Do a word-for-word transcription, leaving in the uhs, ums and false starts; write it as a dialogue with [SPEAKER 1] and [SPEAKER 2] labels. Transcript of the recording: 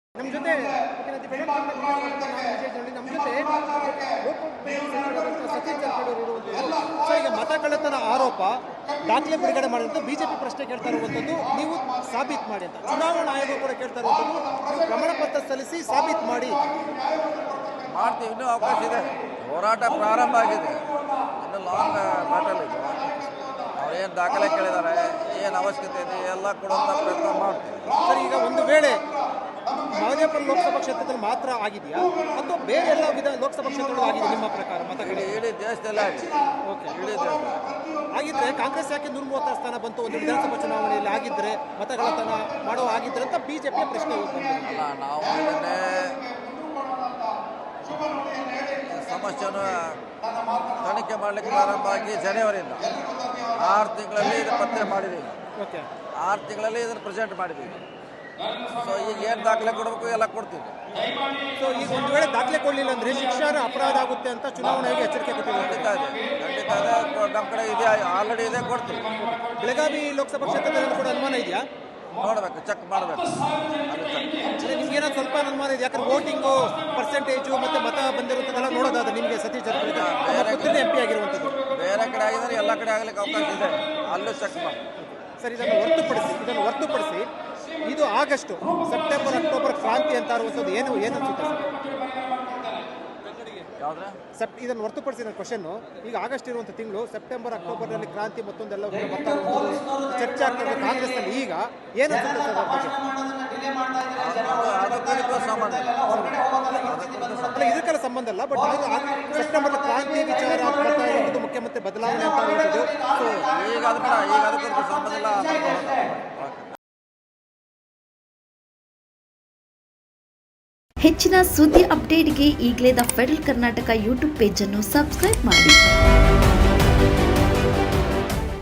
[SPEAKER 1] ನಮ್ಮ ಜೊತೆ ನಮ್ಮ ಜೊತೆ ಸತೀಶ್ ಜಾರಕಿಹೊಳಿ ಇರುವಂಥದ್ದು. ಸೊ ಈಗ ಮತ ಕಳ್ಳತನ ಆರೋಪ ದಾಖಲೆ ಬಿಡುಗಡೆ ಮಾಡಿದಂಥ ಬಿಜೆಪಿ ಪ್ರಶ್ನೆ ಕೇಳ್ತಾ ಇರುವಂಥದ್ದು, ನೀವು ಸಾಬೀತು ಮಾಡಿ ಅಂತ. ಚುನಾವಣಾ ಆಯೋಗ ಕೂಡ ಕೇಳ್ತಾ ಇರುವಂಥದ್ದು, ನೀವು ಪ್ರಮಾಣ ಪತ್ರ ಸಲ್ಲಿಸಿ ಸಾಬೀತು ಮಾಡಿ.
[SPEAKER 2] ಮಾಡ್ತೀವಿ, ಇನ್ನೂ ಅವಕಾಶ ಇದೆ. ಹೋರಾಟ ಪ್ರಾರಂಭ ಆಗಿದೆ, ಇನ್ನು ಲಾಂಗ್ ಬ್ಯಾಟಲ್ ಇದು. ಅವ್ರೇನು ದಾಖಲೆ ಕೇಳಿದ್ದಾರೆ, ಏನು ಅವಶ್ಯಕತೆ ಇದೆ ಎಲ್ಲ ಕೊಡುವಂಥ ಪ್ರಯತ್ನ ಮಾಡ್ತೀವಿ.
[SPEAKER 1] ಸರ್, ಈಗ ಒಂದು ವೇಳೆ ಮಹದೇವಪುರ ಲೋಕಸಭಾ ಕ್ಷೇತ್ರದಲ್ಲಿ ಮಾತ್ರ ಆಗಿದೆಯಾ ಅಥವಾ ಬೇರೆ ಎಲ್ಲ ವಿಧಾನ ಲೋಕಸಭಾ ಕ್ಷೇತ್ರಗಳು ಆಗಿದೆ ನಿಮ್ಮ ಪ್ರಕಾರ ಮತಗಳು?
[SPEAKER 2] ಇಡೀ ದೇಶದಲ್ಲೇ ಆಗಿದೆ. ಓಕೆ, ಇಡೀ ದೇಶದಲ್ಲಿ
[SPEAKER 1] ಆಗಿದ್ರೆ ಕಾಂಗ್ರೆಸ್ ಯಾಕೆ ನೂರ ಮೂವತ್ತಾರು ಸ್ಥಾನ ಬಂತು ಒಂದು ವಿಧಾನಸಭಾ ಚುನಾವಣೆಯಲ್ಲಿ ಆಗಿದ್ರೆ ಮತಗಳತನ ಮಾಡೋ ಆಗಿದ್ರೆ ಅಂತ ಬಿಜೆಪಿ ಪ್ರಶ್ನೆ
[SPEAKER 2] ಅಲ್ಲ. ನಾವು ಇದನ್ನೇ ಸಮಸ್ಯೆಯನ್ನು ತನಿಖೆ ಮಾಡಲಿಕ್ಕೆ ಪ್ರಾರಂಭ ಆಗಿ ಜನವರಿಯಿಂದ ಆರು ತಿಂಗಳಲ್ಲಿ ಇದು ಪತ್ತೆ ಮಾಡಿದ್ದೀವಿ.
[SPEAKER 1] ಓಕೆ,
[SPEAKER 2] ಆರು ತಿಂಗಳಲ್ಲಿ ಇದನ್ನು ಪ್ರೆಸೆಂಟ್ ಮಾಡಿದ್ದೀವಿ. ಸೊ ಈಗ ಏನು ದಾಖಲೆ ಕೊಡಬೇಕು ಎಲ್ಲ ಕೊಡ್ತೀವಿ.
[SPEAKER 1] ಸೊ ಈಗ ಒಂದು ವೇಳೆ ದಾಖಲೆ ಕೊಡಲಿಲ್ಲ ಅಂದರೆ ಶಿಕ್ಷಾರ್ಹ ಅಪರಾಧ ಆಗುತ್ತೆ ಅಂತ ಚುನಾವಣಾ ಆಯೋಗ ಎಚ್ಚರಿಕೆ ಕೊಟ್ಟಿದೆ.
[SPEAKER 2] ಖಂಡಿತ ಇದೆ, ಖಂಡಿತ ಇದೆ. ನಮ್ಮ ಕಡೆ ಇದೆ, ಆಲ್ರೆಡಿ ಇದೆ, ಕೊಡ್ತೀವಿ.
[SPEAKER 1] ಬೆಳಗಾವಿ ಲೋಕಸಭಾ ಕ್ಷೇತ್ರದಲ್ಲಿ ಕೂಡ ಅನುಮಾನ ಇದೆಯಾ?
[SPEAKER 2] ನೋಡಬೇಕು, ಚೆಕ್ ಮಾಡಬೇಕು.
[SPEAKER 1] ನಿಮ್ಗೆ ಏನೋ ಸ್ವಲ್ಪ ಅನುಮಾನ ಇದೆ, ಯಾಕಂದ್ರೆ ವೋಟಿಂಗು ಪರ್ಸೆಂಟೇಜು ಮತ್ತೆ ಮತ ಬಂದಿರುತ್ತದೆಲ್ಲ ನೋಡೋದಾದ್ರೆ ನಿಮಗೆ ಸತೀಶ್ ಜಾರಕಿಹೊಳಿ ಎಂ ಪಿ ಆಗಿರುವಂಥದ್ದು
[SPEAKER 2] ಬೇರೆ ಕಡೆ ಆಗಿದ್ರೆ ಎಲ್ಲ ಕಡೆ ಆಗ್ಲಿಕ್ಕೆ ಅವಕಾಶ ಇದೆ, ಅಲ್ಲೂ ಚೆಕ್ ಮಾಡಿ.
[SPEAKER 1] ಸರ್, ಇದನ್ನು ಹೊರತುಪಡಿಸಿ ಇದನ್ನು ಹೊರತುಪಡಿಸಿ ಇದು ಆಗಸ್ಟ್ ಸೆಪ್ಟೆಂಬರ್ ಅಕ್ಟೋಬರ್ ಕ್ರಾಂತಿ ಅಂತ ಇರುವಂಥದ್ದು ಏನು ಏನು ಅನ್ಸುತ್ತೆ ಸರ್?
[SPEAKER 2] ಯಾವುದ್ರೆ
[SPEAKER 1] ಸೆಪ್ ಇದನ್ನು ಹೊರತುಪಡಿಸಿ ನನ್ನ ಕ್ವಶನ್ನು, ಈಗ ಆಗಸ್ಟ್ ಇರುವಂಥ ತಿಂಗಳು ಸೆಪ್ಟೆಂಬರ್ ಅಕ್ಟೋಬರ್ನಲ್ಲಿ ಕ್ರಾಂತಿ ಮತ್ತೊಂದೆಲ್ಲ ಬರ್ತಾ ಇರುವಂಥದ್ದು ಚರ್ಚೆ ಆಗ್ತದೆ ಕಾಂಗ್ರೆಸ್ನಲ್ಲಿ. ಈಗ ಏನು ಅನ್ಸುತ್ತೆ ಸರ್ ಅದ್ರ ಬಗ್ಗೆ? ಅಲ್ಲ, ಇದಕ್ಕೆಲ್ಲ ಸಂಬಂಧ ಇಲ್ಲ, ಬಟ್ ಸೆಪ್ಟೆಂಬರ್ ಕ್ರಾಂತಿ ವಿಚಾರ ಬರ್ತಾ ಇರುವಂಥದ್ದು, ಮುಖ್ಯಮಂತ್ರಿ ಬದಲಾವಣೆ ಅಂತ ಇರುವಂಥದ್ದು. ಸೊ
[SPEAKER 2] ಈಗ ಅದಕ್ಕೆ ಈಗ ಅದಕ್ಕೆ ಸಂಬಂಧ ಇಲ್ಲ.
[SPEAKER 3] ಹೆಚ್ಚಿನ ಸುದ್ದಿ ಅಪ್ಡೇಟ್ಗೆ ಈಗಲೇ the Federal Karnataka YouTube page ಅನ್ನು ಸಬ್ಸ್ಕ್ರೈಬ್ ಮಾಡಿ.